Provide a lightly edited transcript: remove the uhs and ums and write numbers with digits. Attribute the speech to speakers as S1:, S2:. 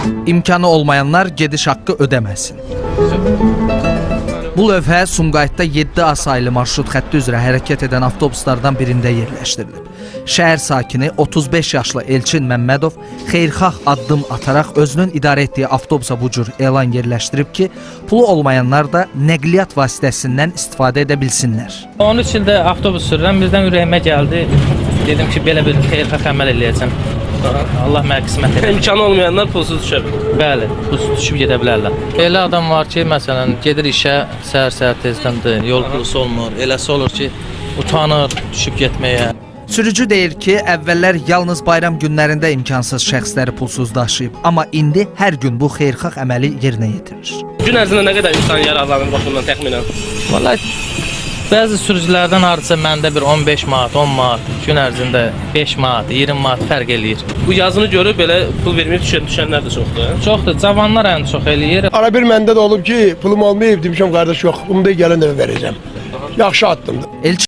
S1: İmkanı olmayanlar gediş haqqı ödəməsin. Bu lövhə Sumqayıtda 7A saylı marşrut xətti üzrə hərəkət edən avtobuslardan birində yerləşdirilib. Şəhər sakini 35 yaşlı Elçin Məmmədov xeyirxah addım ataraq özünün idarə etdiyi avtobusa bu cür elan yerləşdirib ki, pulu olmayanlar da nəqliyyat vasitəsindən istifadə edə bilsinlər.
S2: 13 ildə avtobus sürürəm, birdən ürəyimə gəldi. Dedim ki, belə bir xeyirxah əməl eləyəcəm. Allah mənə qismət edir.
S3: İmkanı olmayanlar pulsuz düşə bilər.
S2: Bəli, pulsuz düşüb gedə bilərlər. Elə adam var ki, məsələn, gedir işə səhər-səhər tezdəndir, yol pulusu olmur. Eləsi olur ki, utanır düşüb getməyə.
S1: Sürücü deyir ki, əvvəllər yalnız bayram günlərində imkansız şəxsləri pulsuz daşıyıb, amma indi hər gün bu xeyirxah əməli yerinə yetirir.
S3: Gün ərzində nə qədər insan yararlanır baxımdan təxminən?
S2: Vallahi bəzi sürücülərdən hardasa məndə bir 15 manat, 10 manat, gün ərzində 5 manat, 20 manat fərq eləyir.
S3: Bu yazını görüb belə pul verməyib düşənlər də çoxdur.
S2: Çoxdur, cavanlar ən çox eləyir.
S4: Ara bir məndə də olub ki, pulum olmayıb, demişəm qardaş yox, bunu da gələn dəfə verəcəm. Yaxşı addımdır.
S1: Elçin